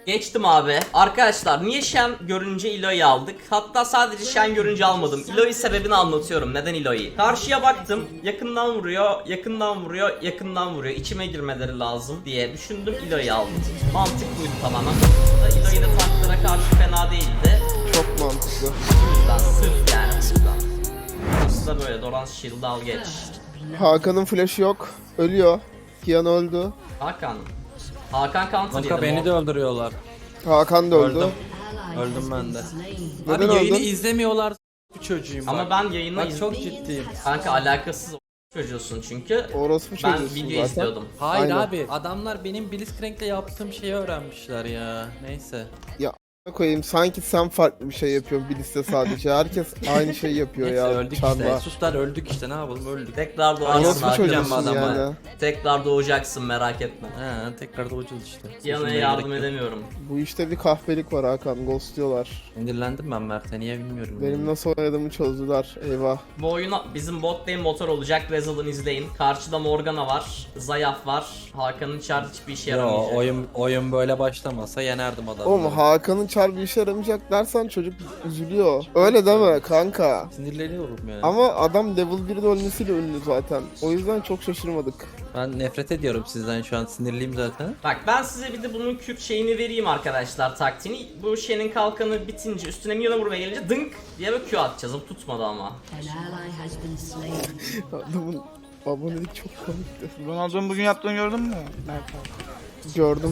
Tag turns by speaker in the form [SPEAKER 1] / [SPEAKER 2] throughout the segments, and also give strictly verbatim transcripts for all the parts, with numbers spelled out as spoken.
[SPEAKER 1] Geçtim abi. Arkadaşlar niye Shen görünce Eloy'u aldık? Hatta sadece Shen görünce almadım. Eloy sebebini anlatıyorum. Neden Eloy'u? Karşıya baktım. Yakından vuruyor, yakından vuruyor, yakından vuruyor. İçime girmeleri lazım diye düşündüm. Eloy'u aldım. Mantık buydu tamamen. Eloy da tanklara karşı fena değildi.
[SPEAKER 2] Çok mantıklı.
[SPEAKER 1] Bu yüzden sırf yani bu yüzden. Burası da böyle. Doran Shield al geç.
[SPEAKER 2] Hakan'ın flash'ı yok. Ölüyor. Kian öldü.
[SPEAKER 1] Hakan. Hakan counter
[SPEAKER 3] Kanka
[SPEAKER 1] yedim.
[SPEAKER 3] beni
[SPEAKER 1] o.
[SPEAKER 3] de öldürüyorlar.
[SPEAKER 2] Hakan da öldü.
[SPEAKER 3] Öldüm. Öldüm ben de.
[SPEAKER 2] Neden
[SPEAKER 3] Abi yayını
[SPEAKER 2] öldün?
[SPEAKER 3] izlemiyorlar bu çocuğum bak.
[SPEAKER 1] Ama ben yayına
[SPEAKER 3] Bak
[SPEAKER 1] iz-
[SPEAKER 3] çok ciddiyim.
[SPEAKER 1] Kanka alakasız çocuğusun çünkü.
[SPEAKER 2] Orospu
[SPEAKER 1] Ben
[SPEAKER 2] çocuğusun
[SPEAKER 1] video
[SPEAKER 2] zaten.
[SPEAKER 1] izliyordum.
[SPEAKER 3] Hayır
[SPEAKER 2] Aynen.
[SPEAKER 3] abi adamlar benim Blitzcrank'le yaptığım şeyi öğrenmişler ya. Neyse.
[SPEAKER 2] Koyayım sanki sen farklı bir şey yapıyorsun Bilis'te sadece. Herkes aynı şey yapıyor
[SPEAKER 3] Neyse
[SPEAKER 2] ya.
[SPEAKER 3] öldük işte.
[SPEAKER 2] Çarla.
[SPEAKER 3] Suslar öldük işte ne yapalım öldük.
[SPEAKER 1] Tekrar doğacaksın
[SPEAKER 2] Orospu
[SPEAKER 1] Hakan.
[SPEAKER 3] çocuğu.
[SPEAKER 2] çocuğusun
[SPEAKER 3] adama.
[SPEAKER 2] yani.
[SPEAKER 1] Tekrar doğacaksın merak etme.
[SPEAKER 3] He tekrar doğacağız işte.
[SPEAKER 1] Yanına
[SPEAKER 3] Sözüme
[SPEAKER 1] yardım
[SPEAKER 3] gerek yok.
[SPEAKER 1] edemiyorum.
[SPEAKER 2] Bu işte bir kahpelik var Hakan. Ghostluyorlar.
[SPEAKER 3] Sinirlendim ben Mert'e niye bilmiyorum.
[SPEAKER 2] Benim nasıl oynadığımı çözdüler. Eyvah.
[SPEAKER 1] Bu oyuna bizim bot lane motor olacak. Rezal'ın izleyin. Karşıda Morgana var. Zayaf var. Hakan'ın çar hiçbir işe
[SPEAKER 3] Yo
[SPEAKER 1] yaramayacak.
[SPEAKER 3] oyun oyun böyle başlamasa yenerdim adamı.
[SPEAKER 2] Oğlum Hakan'ın çar bir işe yaramayacak dersen çocuk üzülüyor. Öyle deme kanka.
[SPEAKER 3] Sinirleniyorum yani.
[SPEAKER 2] Ama adam level birde ölmesiyle ünlü zaten. O yüzden çok şaşırmadık.
[SPEAKER 3] Ben nefret ediyorum sizden şu an sinirliyim zaten.
[SPEAKER 1] Bak ben size bir de bunun Kürt şeyini vereyim arkadaşlar taktiğini. Bu şeyin kalkanı bitince üstüne milyona vurmaya gelince dınk diye bir Q atacağız. O tutmadı ama.
[SPEAKER 4] An ally has been slain.
[SPEAKER 2] Adamın abonelik çok komikti.
[SPEAKER 5] Ronaldo'nun bugün yaptığını gördün mü?
[SPEAKER 2] Gördüm.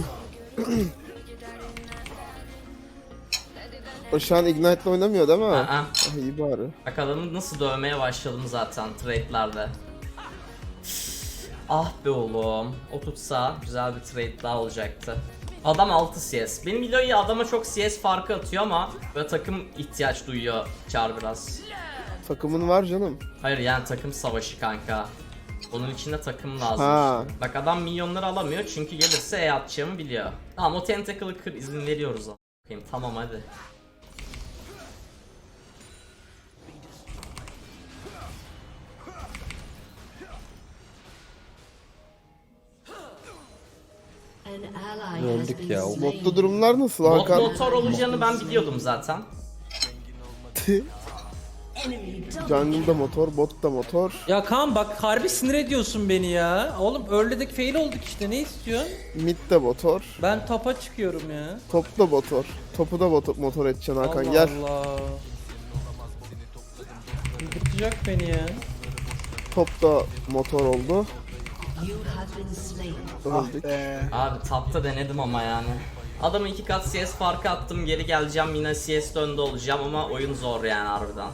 [SPEAKER 2] O şu an Ignite'la oynamıyor değil mi?
[SPEAKER 1] Aa,
[SPEAKER 2] Ah, iyi bari.
[SPEAKER 1] bak adamı nasıl dövmeye başladım zaten trade'lerde. Ah be oğlum. O tutsa güzel bir trade daha olacaktı. Adam altı C S. Benim Eloy adama çok C S farkı atıyor ama böyle takım ihtiyaç duyuyor Char biraz.
[SPEAKER 2] Takımın var canım.
[SPEAKER 1] Hayır yani takım savaşı kanka. Onun içinde takım lazım.
[SPEAKER 2] Ha.
[SPEAKER 1] Bak adam milyonları alamıyor çünkü gelirse E atacağımı biliyor. Tamam o tentacle'ı kır izin veriyoruz ama. Bakayım, tamam hadi.
[SPEAKER 4] An ally has
[SPEAKER 3] Öldük
[SPEAKER 4] been
[SPEAKER 3] ya.
[SPEAKER 4] slain.
[SPEAKER 2] Botta durumlar nasıl
[SPEAKER 1] Bot
[SPEAKER 2] Hakan?
[SPEAKER 1] motor olacağını ben biliyordum zaten.
[SPEAKER 2] Jungle'da motor, botta motor.
[SPEAKER 3] Ya Kaan bak harbi sinir ediyorsun beni ya. Oğlum early'deki fail olduk işte ne istiyorsun?
[SPEAKER 2] Mid'de motor.
[SPEAKER 3] Ben topa çıkıyorum ya.
[SPEAKER 2] Topta motor. Topu da motor, motor edeceksin Hakan
[SPEAKER 3] Allah
[SPEAKER 2] gel.
[SPEAKER 3] Allah. Bıkacak beni ya.
[SPEAKER 2] Topta motor oldu.
[SPEAKER 4] You have been slain.
[SPEAKER 2] Öldük.
[SPEAKER 5] Be.
[SPEAKER 1] Abi tapta denedim ama yani. Adamı iki kat C S farkı attım, geri geleceğim yine C S önde olacağım ama oyun zor yani harbiden.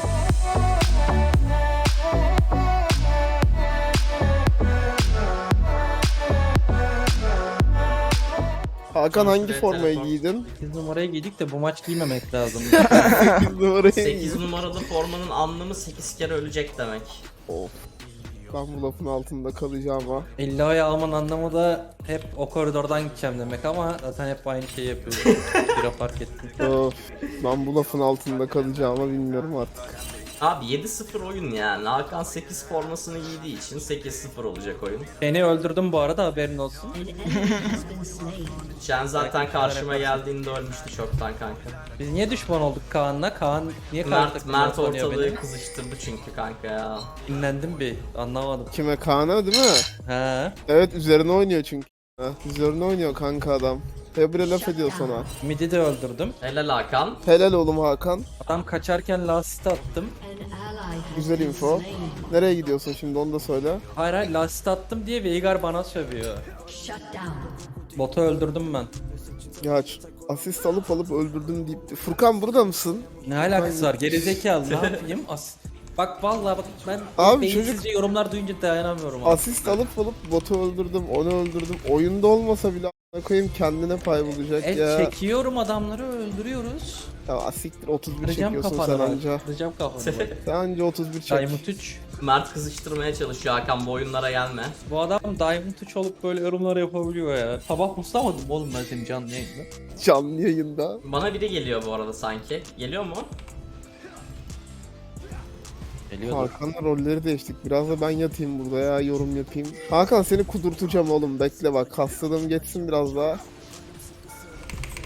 [SPEAKER 2] Hakan hangi
[SPEAKER 1] Evet,
[SPEAKER 2] formayı
[SPEAKER 1] telefon.
[SPEAKER 2] giydin?
[SPEAKER 3] sekiz numaraya giydik de bu maç giymemek lazım.
[SPEAKER 2] sekiz numarayı
[SPEAKER 1] sekiz
[SPEAKER 2] giydin.
[SPEAKER 1] numaralı formanın anlamı sekiz kere ölecek demek.
[SPEAKER 2] Of. Ben bu lafın altında kalacağım ha.
[SPEAKER 3] Ello'yu almanın anlamı da hep o koridordan gideceğim demek ama zaten hep aynı şeyi yapıyoruz. Bir fark ettim.
[SPEAKER 2] Of. Ben bu lafın altında kalacağımı bilmiyorum artık.
[SPEAKER 1] Abi yedi sıfır oyun yani. Hakan sekiz formasını giydiği için sekiz sıfır olacak oyun.
[SPEAKER 3] Seni öldürdüm bu arada haberin olsun.
[SPEAKER 4] An enemy has been slain.
[SPEAKER 1] Jen zaten karşıma geldiğinde ölmüştü çoktan kanka.
[SPEAKER 3] Biz niye düşman olduk Kaan'la? Kaan niye karşı
[SPEAKER 1] Mert,
[SPEAKER 3] takımda
[SPEAKER 1] Mert
[SPEAKER 3] oynuyor
[SPEAKER 1] ortalığı
[SPEAKER 3] beni?
[SPEAKER 1] kızıştırdı çünkü kanka ya.
[SPEAKER 3] Dinlendim bir anlamadım.
[SPEAKER 2] Kime Kaan'a değil mi?
[SPEAKER 3] He.
[SPEAKER 2] Evet üzerine oynuyor çünkü. Ha, üzerine oynuyor kanka adam. Febre laf ediyor sana.
[SPEAKER 3] Midi de öldürdüm.
[SPEAKER 1] Helal Hakan.
[SPEAKER 2] Helal oğlum Hakan.
[SPEAKER 3] Adam kaçarken lastik attım.
[SPEAKER 4] An ally has
[SPEAKER 2] Güzel
[SPEAKER 4] been
[SPEAKER 2] info.
[SPEAKER 4] slain.
[SPEAKER 2] Nereye gidiyorsun şimdi onu da söyle.
[SPEAKER 3] Hayır hayır lastik attım diye Veigar bana sövüyor.
[SPEAKER 4] Shut down.
[SPEAKER 3] Botu öldürdüm ben.
[SPEAKER 2] Ya ç- asist alıp alıp öldürdüm deyip. Furkan burada mısın?
[SPEAKER 3] Ne alakası var gerizekalı ne yapayım? As Bak vallahi bak ben
[SPEAKER 2] Abi
[SPEAKER 3] beyinsizce
[SPEAKER 2] çocuk-
[SPEAKER 3] yorumlar duyunca dayanamıyorum abi.
[SPEAKER 2] Asist alıp alıp botu öldürdüm, onu öldürdüm. Oyunda olmasa bile a**ına koyayım kendine pay bulacak
[SPEAKER 3] El
[SPEAKER 2] ya.
[SPEAKER 3] çekiyorum adamları öldürüyoruz.
[SPEAKER 2] Ya asiktir otuz bir
[SPEAKER 3] Kıracağım
[SPEAKER 2] çekiyorsun
[SPEAKER 3] kafanı
[SPEAKER 2] sen
[SPEAKER 3] bak.
[SPEAKER 2] anca.
[SPEAKER 3] Kıracağım kafanı bak.
[SPEAKER 2] Sen anca otuz bir çek.
[SPEAKER 3] Diamond üç.
[SPEAKER 1] Mert kızıştırmaya çalışıyor Hakan, bu oyunlara gelme.
[SPEAKER 3] Bu adam Diamond üç olup böyle yorumlar yapabiliyor ya. Sabah muslamadım oğlum ben seni canlı yayında.
[SPEAKER 2] Canlı yayında.
[SPEAKER 1] Bana biri geliyor bu arada sanki. Geliyor mu?
[SPEAKER 3] Geliyordu.
[SPEAKER 2] Hakan'la rolleri değiştik. Biraz da ben yatayım burada ya yorum yapayım. Hakan seni kudurtacağım oğlum bekle bak. Hastalığım geçsin biraz daha.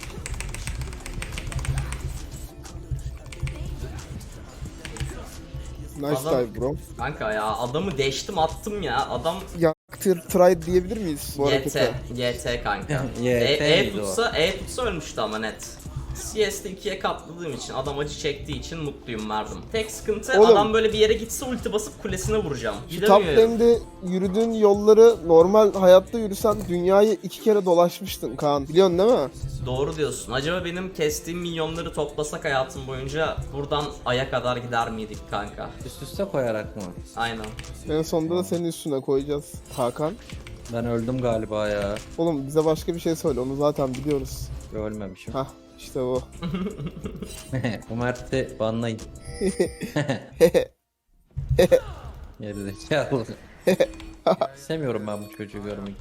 [SPEAKER 2] Nice
[SPEAKER 1] Adam-
[SPEAKER 2] dive bro.
[SPEAKER 1] Kanka ya adamı deştim attım ya. Adam
[SPEAKER 2] Yaktır try diyebilir miyiz bu
[SPEAKER 1] Y
[SPEAKER 2] harekete?
[SPEAKER 1] T. Y T kanka.
[SPEAKER 3] Y T
[SPEAKER 1] E, e
[SPEAKER 3] miydi o?
[SPEAKER 1] tutsa, E tutsa ölmüştü ama net. C S'de ikiye katladığım için, adam acı çektiği için mutluyum verdim. Tek sıkıntı
[SPEAKER 2] Oğlum.
[SPEAKER 1] adam böyle bir yere gitse ulti basıp kulesine vuracağım.
[SPEAKER 2] Şu top
[SPEAKER 1] Gidemiyorum.
[SPEAKER 2] lane'de yürüdüğün yolları normal hayatta yürüsen dünyayı iki kere dolaşmıştın Kaan. Biliyorsun değil mi?
[SPEAKER 1] Doğru diyorsun. Acaba benim kestiğim milyonları toplasak hayatım boyunca buradan Ay'a kadar gider miydik kanka?
[SPEAKER 3] Üst üste koyarak mı?
[SPEAKER 1] Aynen.
[SPEAKER 2] En sonunda da senin üstüne koyacağız Hakan.
[SPEAKER 3] Ben öldüm galiba ya.
[SPEAKER 2] Oğlum bize başka bir şey söyle, onu zaten biliyoruz.
[SPEAKER 3] Ölmemişim.
[SPEAKER 2] Hah işte bu.
[SPEAKER 3] Bu Mert'i banlayın. Gerizekalı. İstemiyorum ben bu çocuğu görmek.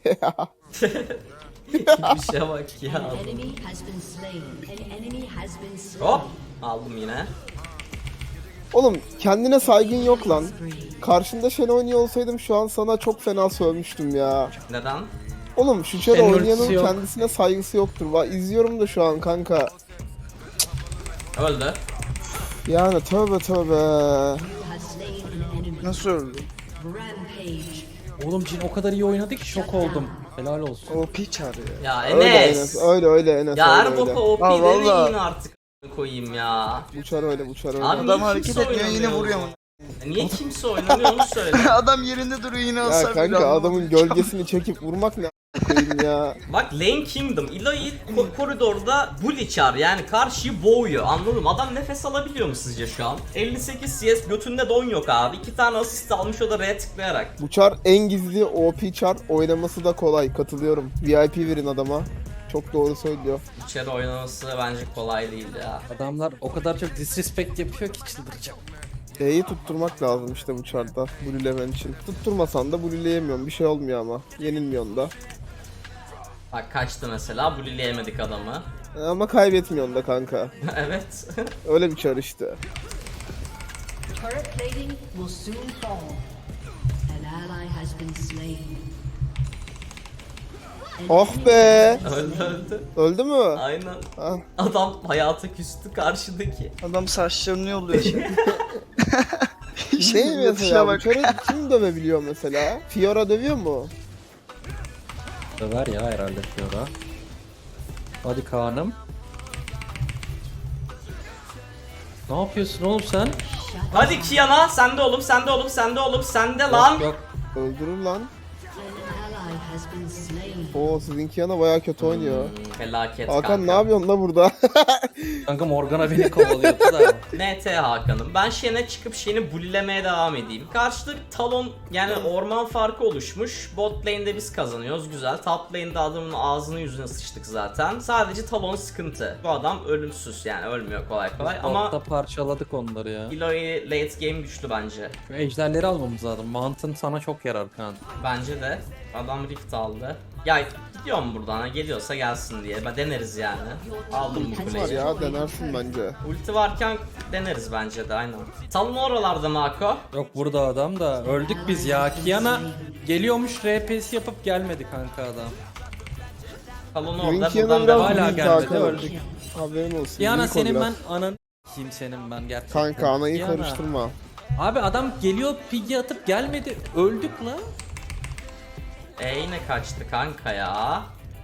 [SPEAKER 1] Bir şeye bak ya.
[SPEAKER 4] An enemy has been slain. An enemy has been slain.
[SPEAKER 1] Hop. Aldım yine.
[SPEAKER 2] Oğlum kendine saygın yok lan. Karşında Shen oynuyor olsaydım şu an sana çok fena sövmüştüm ya.
[SPEAKER 1] Neden?
[SPEAKER 2] Oğlum şu Shen
[SPEAKER 3] Shen'in
[SPEAKER 2] oynayanın
[SPEAKER 3] ultisi yok.
[SPEAKER 2] kendisine saygısı yoktur. Va izliyorum da şu an kanka.
[SPEAKER 1] Öldü.
[SPEAKER 2] Yani tövbe tövbe.
[SPEAKER 4] You have slain an enemy.
[SPEAKER 2] Nasıl öldü?
[SPEAKER 4] Rampage.
[SPEAKER 3] Oğlum Jin o kadar iyi oynadı ki şok oldum. Helal olsun.
[SPEAKER 5] O piç arıyor.
[SPEAKER 1] Ya
[SPEAKER 2] Öyle
[SPEAKER 1] Enes.
[SPEAKER 2] Enes. Öyle öyle Enes.
[SPEAKER 1] Ya
[SPEAKER 2] öyle,
[SPEAKER 1] her boka
[SPEAKER 2] öyle.
[SPEAKER 1] O P
[SPEAKER 5] Ha,
[SPEAKER 1] demeyin
[SPEAKER 5] valla.
[SPEAKER 1] artık koyayım ya.
[SPEAKER 2] Uçar öyle uçar öyle.
[SPEAKER 1] Abi
[SPEAKER 5] Adam
[SPEAKER 1] niye
[SPEAKER 5] hareket
[SPEAKER 1] kimse
[SPEAKER 5] etmiyor yine
[SPEAKER 1] oynamıyor
[SPEAKER 5] vuruyor
[SPEAKER 1] o
[SPEAKER 5] mu?
[SPEAKER 1] zaman? Niye kimse oynamıyor onu söyle.
[SPEAKER 5] Adam yerinde duruyor yine
[SPEAKER 2] Ya
[SPEAKER 5] hasar bile
[SPEAKER 2] kanka
[SPEAKER 5] alamadı.
[SPEAKER 2] adamın gölgesini çekip vurmak ne a**ayım ya.
[SPEAKER 1] Bak Lane Kingdom, Eloy ko- koridorda bully çar yani karşıyı boğuyor, anladım. Adam nefes alabiliyor mu sizce şu an? elli sekiz C S götünde don yok abi. iki tane asist almış o da R'ye tıklayarak.
[SPEAKER 2] Bu çar en gizli O P çar, oynaması da kolay, katılıyorum. V I P verin adama. Çok doğru söylüyor.
[SPEAKER 1] İçeri oynaması bence kolay değil ya.
[SPEAKER 3] Adamlar o kadar çok disrespect yapıyor ki çıldıracağım.
[SPEAKER 2] E'yi tutturmak lazım işte bu çarda, bluelemen için. Tutturmasan da blueleyemiyorsun, bir şey olmuyor ama. Yenilmiyorsun da.
[SPEAKER 1] Bak kaçtı mesela, bullyleyemedik adamı.
[SPEAKER 2] Ama kaybetmiyorsun da kanka.
[SPEAKER 1] Evet.
[SPEAKER 2] Öyle bir çar işte.
[SPEAKER 4] Turret plating will soon fall. An ally has been slain. An
[SPEAKER 2] Oh
[SPEAKER 4] enemy
[SPEAKER 2] be!
[SPEAKER 1] öldü öldü.
[SPEAKER 2] Öldü mü?
[SPEAKER 1] Aynen.
[SPEAKER 2] Ah,
[SPEAKER 1] Adam hayata küstü karşıdaki.
[SPEAKER 5] Adam saçlarını yolluyor şimdi.
[SPEAKER 2] ne mesela
[SPEAKER 5] Yapışa
[SPEAKER 2] bu
[SPEAKER 5] bak.
[SPEAKER 2] çarı kim dövebiliyor mesela? Fiora dövüyor mu?
[SPEAKER 3] Döver ya herhalde Fiora. Hadi Kaan'ım. Ne yapıyorsun oğlum sen?
[SPEAKER 1] Hadi Kiana, sende oğlum, sende oğlum, sende oğlum, sende lan.
[SPEAKER 3] Yok, yok.
[SPEAKER 2] Öldürür lan.
[SPEAKER 4] An ally has been slain.
[SPEAKER 2] Oo sizinki yana baya kötü oynuyor.
[SPEAKER 1] Felaket
[SPEAKER 2] Hakan
[SPEAKER 1] kanka.
[SPEAKER 2] ne yapıyorsun la burada?
[SPEAKER 3] Kanka Morgana beni kovalıyordu da.
[SPEAKER 1] N T Hakan'ım. Ben Shen'e çıkıp Shen'i bullylemeye devam edeyim. Karşıda Talon yani orman farkı oluşmuş. Bot lane'de biz kazanıyoruz, güzel. Top lane'de adamın ağzını yüzüne sıçtık zaten. Sadece Talon sıkıntı. Bu adam ölümsüz yani ölmüyor kolay kolay
[SPEAKER 3] Ama
[SPEAKER 1] ama
[SPEAKER 3] parçaladık onları ya.
[SPEAKER 1] Eloy late game güçlü bence.
[SPEAKER 3] Şu ejderleri almamız lazım. Mantın sana çok yarar Kaan.
[SPEAKER 1] Bence de. Adam rift aldı. Ya gidiyorum buradan ha, geliyorsa gelsin diye. Ben deneriz yani. Aldım bu
[SPEAKER 2] Var
[SPEAKER 1] kuleyi.
[SPEAKER 2] ya denersin bence.
[SPEAKER 1] Ulti varken deneriz bence de aynen. Talon oralarda Mako.
[SPEAKER 3] Yok burada adam da öldük biz ya. Kiana geliyormuş R P'si yapıp gelmedi kanka adam.
[SPEAKER 1] Talon orada
[SPEAKER 2] Dünkü yana
[SPEAKER 1] buradan
[SPEAKER 2] biraz
[SPEAKER 1] devam.
[SPEAKER 3] hala
[SPEAKER 2] büyük
[SPEAKER 3] gelmedi,
[SPEAKER 2] Hakan.
[SPEAKER 3] öldük.
[SPEAKER 2] Haberin olsun.
[SPEAKER 3] Kiana
[SPEAKER 2] büyük o
[SPEAKER 3] senin
[SPEAKER 2] biraz.
[SPEAKER 3] ben anan kim senin ben gerçekten.
[SPEAKER 2] Kanka anayı
[SPEAKER 3] Kiana.
[SPEAKER 2] karıştırma.
[SPEAKER 3] Abi adam geliyor pigi atıp gelmedi. Öldük la.
[SPEAKER 1] E yine kaçtı kanka ya.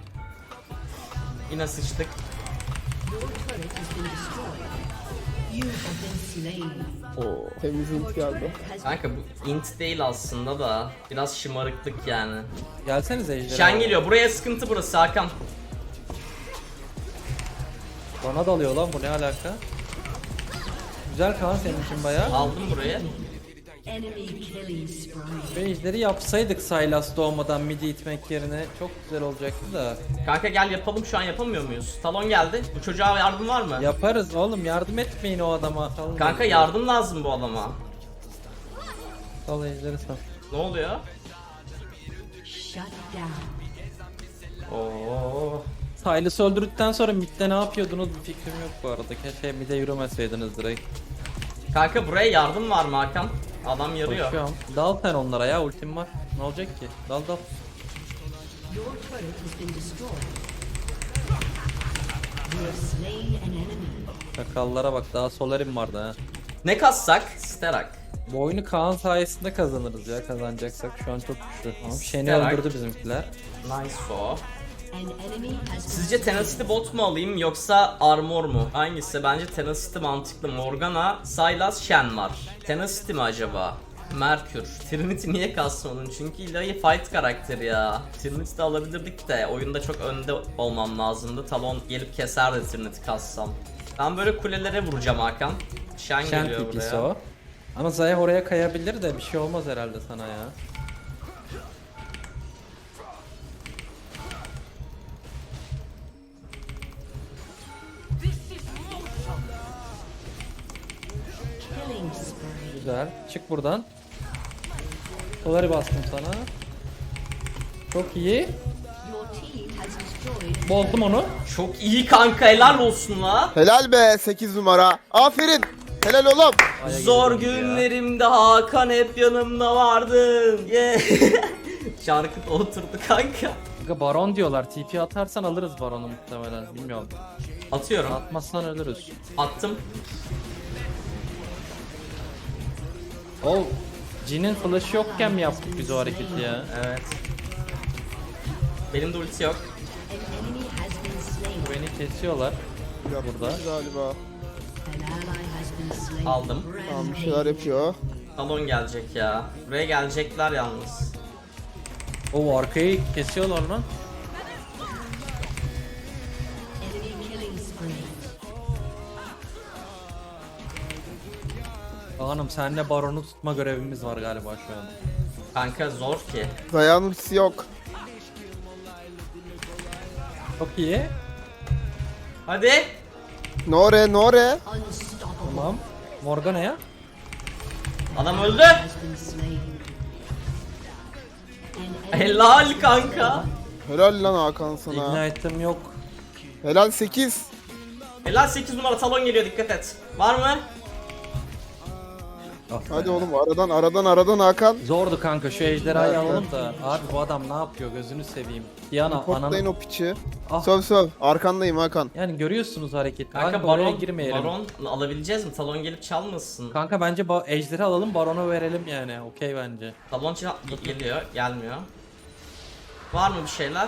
[SPEAKER 1] Yine sıçtık.
[SPEAKER 4] Your turret has been destroyed. You have been slain.
[SPEAKER 2] Oo, temiz int geldi.
[SPEAKER 4] Has
[SPEAKER 1] Kanka bu int değil aslında da biraz şımarıklık yani.
[SPEAKER 3] Gelsenize ejderi.
[SPEAKER 1] Shen geliyor. Buraya sıkıntı burası Hakan.
[SPEAKER 3] Bana dalıyor lan bu ne alaka? Güzel Kaan senin için bayağı.
[SPEAKER 1] Aldım burayı.
[SPEAKER 4] enemy killing spree.
[SPEAKER 3] Ve ejderi yapsaydık Sylas doğmadan midi itmek yerine çok güzel olacaktı da.
[SPEAKER 1] Kanka gel yapalım, şu an yapamıyor muyuz? Talon geldi. Bu çocuğa yardım var mı?
[SPEAKER 3] Yaparız oğlum, yardım etmeyin o adama. Sal
[SPEAKER 1] Kanka yardım lazım bu adama.
[SPEAKER 3] Sal ejderi sal.
[SPEAKER 1] Ne oluyor?
[SPEAKER 4] Shut down.
[SPEAKER 1] Oo.
[SPEAKER 3] Sylas'ı öldürdükten sonra midde ne yapıyordunuz bir fikrim yok bu arada. Keşke midde yürümeseydiniz direkt.
[SPEAKER 1] Kanka buraya yardım var mı Hakan? Adam yarıyor.
[SPEAKER 3] Koşuyorum. Dal sen onlara ya, ultim var. Ne olacak ki? Dal dal.
[SPEAKER 4] Your turret has been destroyed. You have slain an enemy.
[SPEAKER 3] Çakallara bak, daha Solarim vardı ha.
[SPEAKER 1] Ne kassak? Sterak.
[SPEAKER 3] Bu oyunu Kaan sayesinde kazanırız ya, kazanacaksak şu an çok güçlü. Tamam, Shen'i
[SPEAKER 1] Sterak.
[SPEAKER 3] öldürdü bizimkiler.
[SPEAKER 1] Nice o.
[SPEAKER 4] An enemy has
[SPEAKER 1] Sizce Tenacity bot mu alayım yoksa Armor mu? Hangisi? Bence Tenacity mantıklı. Morgana, Sylas, Shen var. Tenacity mi acaba? Merkür. Trinity niye kastım onun? Çünkü Illaoi fight karakteri ya. Trinity de alabilirdik de oyunda çok önde olmam lazımdı. Talon gelip keserdi Trinity kassam. Ben böyle kulelere vuracağım Hakan. Shen,
[SPEAKER 3] Shen
[SPEAKER 1] geliyor
[SPEAKER 3] tipisi
[SPEAKER 1] buraya.
[SPEAKER 3] o. Ama Zaya oraya kayabilir de bir şey olmaz herhalde sana ya.
[SPEAKER 4] killing spree.
[SPEAKER 3] Güzel. Çık buradan. Doları bastım sana. Çok iyi.
[SPEAKER 4] Your team has destroyed
[SPEAKER 3] Bozdum onu.
[SPEAKER 1] Çok iyi kanka, helal olsun la.
[SPEAKER 2] Helal be sekiz numara. Aferin. Helal oğlum.
[SPEAKER 3] Aya
[SPEAKER 1] Zor
[SPEAKER 3] girdim ya.
[SPEAKER 1] günlerimde Hakan hep yanımda vardın. Yeah. Şarkı da oturdu kanka.
[SPEAKER 3] Kanka Baron diyorlar. T P atarsan alırız Baron'u muhtemelen. Bilmiyorum.
[SPEAKER 1] Atıyorum.
[SPEAKER 3] Atmazsan ölürüz.
[SPEAKER 1] Attım.
[SPEAKER 3] O Jin'in flash'ı yokken mi yaptık biz o hareketi ya?
[SPEAKER 1] Evet. Benim de ulti yok.
[SPEAKER 4] an enemy has been slain.
[SPEAKER 3] Beni kesiyorlar. Burada.
[SPEAKER 2] Galiba.
[SPEAKER 4] An ally has been slain.
[SPEAKER 1] Aldım.
[SPEAKER 2] Tamam bir şeyler yapıyor.
[SPEAKER 1] Talon gelecek ya. Buraya gelecekler yalnız.
[SPEAKER 3] O arkayı kesiyorlar lan.
[SPEAKER 4] Enemy killing spree.
[SPEAKER 3] Hanım senle Baron'u tutma görevimiz var galiba şu an.
[SPEAKER 1] Kanka zor ki.
[SPEAKER 2] Zayan ultisi yok.
[SPEAKER 3] Çok iyi.
[SPEAKER 1] Hadi.
[SPEAKER 2] Nore Nore.
[SPEAKER 4] Unstoppable
[SPEAKER 3] Tamam. Morgana'ya.
[SPEAKER 1] Adam öldü.
[SPEAKER 4] has been slain. An enemy
[SPEAKER 1] Helal kanka.
[SPEAKER 2] Helal lan Hakan sana.
[SPEAKER 3] Ignite'ım yok.
[SPEAKER 2] Helal sekiz.
[SPEAKER 1] Helal sekiz numara talon geliyor, dikkat et. Var mı?
[SPEAKER 3] Ah
[SPEAKER 2] Hadi
[SPEAKER 3] be.
[SPEAKER 2] oğlum aradan aradan aradan Hakan.
[SPEAKER 3] Zordu kanka şu ejderhayı
[SPEAKER 2] Evet,
[SPEAKER 3] alalım
[SPEAKER 2] evet.
[SPEAKER 3] da. Abi bu adam ne yapıyor gözünü seveyim. Diana
[SPEAKER 2] Potlayın
[SPEAKER 3] ananı.
[SPEAKER 2] o piçi.
[SPEAKER 3] Ah.
[SPEAKER 2] Söv söv. Arkandayım Hakan.
[SPEAKER 3] Yani görüyorsunuz hareketi.
[SPEAKER 1] Kanka
[SPEAKER 3] Kanka oraya
[SPEAKER 1] baron,
[SPEAKER 3] girmeyelim.
[SPEAKER 1] baron alabileceğiz mi? Talon gelip çalmasın.
[SPEAKER 3] Kanka bence ba- ejderi alalım Baron'a verelim yani. Okey bence.
[SPEAKER 1] Talon çal geliyor, gelmiyor. Var mı bir şeyler?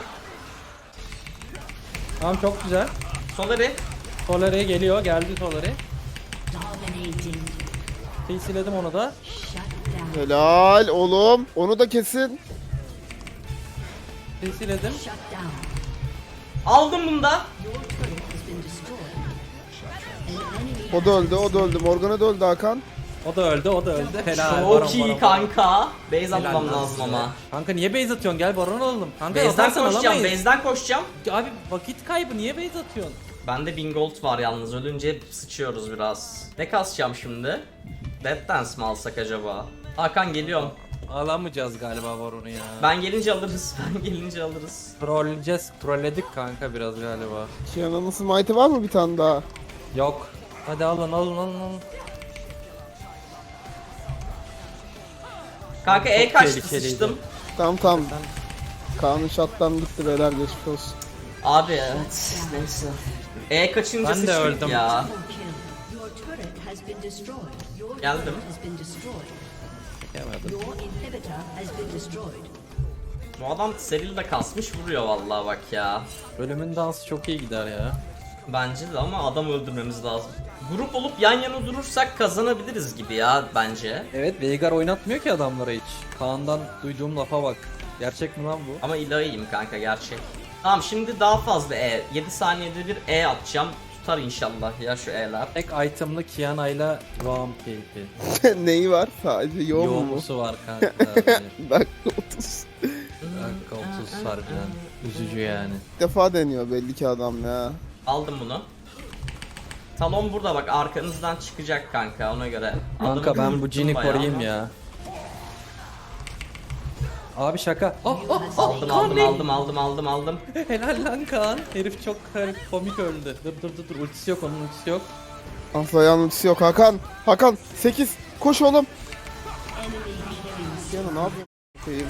[SPEAKER 3] Tamam çok güzel.
[SPEAKER 1] Solari.
[SPEAKER 3] Solary geliyor. Geldi Solary.
[SPEAKER 4] dominating.
[SPEAKER 3] Kesiledim onu da.
[SPEAKER 4] Shut down.
[SPEAKER 2] Helal oğlum. Onu da kesin.
[SPEAKER 3] Kesiledim.
[SPEAKER 4] Shut down.
[SPEAKER 1] Aldım bunu da.
[SPEAKER 4] Your turret has been destroyed. An enemy
[SPEAKER 2] O da öldü o da öldü. Morgana da öldü Hakan.
[SPEAKER 3] O da öldü, o da öldü. Helal.
[SPEAKER 1] Çok
[SPEAKER 3] Baron,
[SPEAKER 1] iyi
[SPEAKER 3] Baron, Baron.
[SPEAKER 1] kanka. Base
[SPEAKER 3] Helal
[SPEAKER 1] atmam
[SPEAKER 3] lan
[SPEAKER 1] lazım
[SPEAKER 3] size.
[SPEAKER 1] ama.
[SPEAKER 3] Kanka niye base atıyorsun? Gel Baron alalım. Kanka
[SPEAKER 1] Base'den
[SPEAKER 3] atarsan
[SPEAKER 1] koşacağım,
[SPEAKER 3] alamayız.
[SPEAKER 1] base'den koşacağım.
[SPEAKER 3] Abi vakit kaybı niye base atıyorsun?
[SPEAKER 1] Bende bin gold var yalnız, ölünce sıçıyoruz biraz. Ne kasacağım şimdi? Death Dance mi alsak acaba? Hakan geliyorum.
[SPEAKER 3] Alamayacağız galiba Baron'u ya.
[SPEAKER 1] Ben gelince alırız, ben gelince alırız.
[SPEAKER 3] Trolleyeceğiz. Trolledik kanka biraz galiba.
[SPEAKER 2] Kiana'nın smite'ı var mı bir tane daha?
[SPEAKER 3] Yok. Hadi alın alın alın alın.
[SPEAKER 1] Kanka E kaçtı,
[SPEAKER 3] tehlikeliydi.
[SPEAKER 1] sıçtım.
[SPEAKER 2] Tamam tamam. Kaan'ın şattan gitti beyler geçmiş olsun.
[SPEAKER 1] Abi evet, neyse. E kaçınca
[SPEAKER 3] Ben de
[SPEAKER 1] sıçtık
[SPEAKER 3] öldüm.
[SPEAKER 1] ya.
[SPEAKER 4] double kill. Your turret has been destroyed. Your
[SPEAKER 1] Geldim.
[SPEAKER 4] turret has been destroyed.
[SPEAKER 3] Yemedim.
[SPEAKER 4] Your inhibitor has been destroyed.
[SPEAKER 1] Bu adam serili de kasmış vuruyor vallahi bak ya.
[SPEAKER 3] Bölümün dansı çok iyi gider ya.
[SPEAKER 1] Bence de ama adam öldürmemiz lazım. Grup olup yan yana durursak kazanabiliriz gibi ya bence.
[SPEAKER 3] Evet Veigar oynatmıyor ki adamlara hiç. Kaan'dan duyduğum lafa bak. Gerçek mi lan bu?
[SPEAKER 1] Ama Illai'yim kanka, gerçek. Tamam şimdi daha fazla E. yedi saniyede bir E atacağım. Tutar inşallah ya şu E'ler.
[SPEAKER 3] Tek itemlı Kiana'yla Roam keyfi.
[SPEAKER 2] Neyi var? Sadece yoğun mu?
[SPEAKER 3] Yoğumusu var kanka.
[SPEAKER 2] Dakika otuz.
[SPEAKER 3] Dakika otuz harbiden. Üzücü yani.
[SPEAKER 2] İlk defa deniyor belli ki adam ya.
[SPEAKER 1] Aldım bunu. Talon burada bak, arkanızdan çıkacak kanka, ona göre.
[SPEAKER 3] Kanka
[SPEAKER 1] Adamı
[SPEAKER 3] ben bu
[SPEAKER 1] kıvırttım
[SPEAKER 3] cini
[SPEAKER 1] bayağı.
[SPEAKER 3] koruyayım ya. Abi şaka. Oh, oh, oh,
[SPEAKER 1] Aldım
[SPEAKER 3] Kaan
[SPEAKER 1] aldım
[SPEAKER 3] Bey.
[SPEAKER 1] aldım aldım aldım aldım.
[SPEAKER 3] Helal lan Kaan. Herif çok komik öldü. Dur dur dur dur ultisi yok onun ultisi yok.
[SPEAKER 2] Ah Zayan ultisi yok Hakan. Hakan sekiz. Koş oğlum.
[SPEAKER 4] Enemy killing.
[SPEAKER 2] Kiana ne yapıyorsun? Koyayım.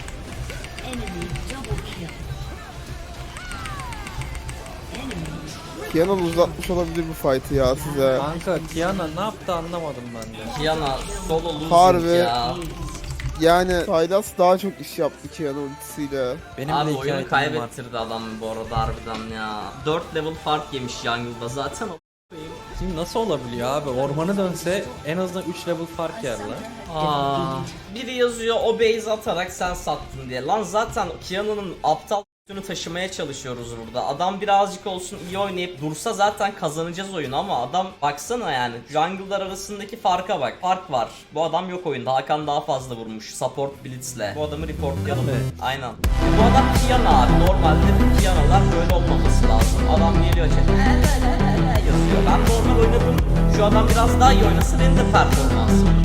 [SPEAKER 4] Enemy double kill. Enemy
[SPEAKER 2] Kiana uzatmış olabilir bu fight'ı ya size.
[SPEAKER 3] Kanka Kiana ne yaptı anlamadım ben de.
[SPEAKER 1] Kiana solo losing
[SPEAKER 2] Harbi.
[SPEAKER 1] ya.
[SPEAKER 2] Yani Sylas daha çok iş yaptı Kiana ultisiyle.
[SPEAKER 3] Benim
[SPEAKER 1] Abi
[SPEAKER 3] de iki
[SPEAKER 1] oyunu
[SPEAKER 3] itemim var.
[SPEAKER 1] kaybettirdi adam bu arada harbiden ya. dört level fark yemiş jungle'da zaten.
[SPEAKER 3] Şimdi nasıl olabiliyor abi? Ormanı dönse en azından üç level fark yer lan.
[SPEAKER 1] Aa, biri yazıyor o base atarak sen sattın diye. Lan zaten Kiana'nın aptal üstünü taşımaya çalışıyoruz burada. Adam birazcık olsun iyi oynayıp dursa zaten kazanacağız oyunu ama adam baksana yani jungle'lar arasındaki farka bak. Fark var. Bu adam yok oyunda. Hakan daha fazla vurmuş support blitzle. Bu adamı reportlayalım.
[SPEAKER 3] Evet.
[SPEAKER 1] Aynen. Bu adam Kiana abi. Normalde bu Kiana'lar böyle olmaması lazım. Adam geliyor chat. yazıyor. Ben normal oynadım. Şu adam biraz daha iyi oynasa benim de performansım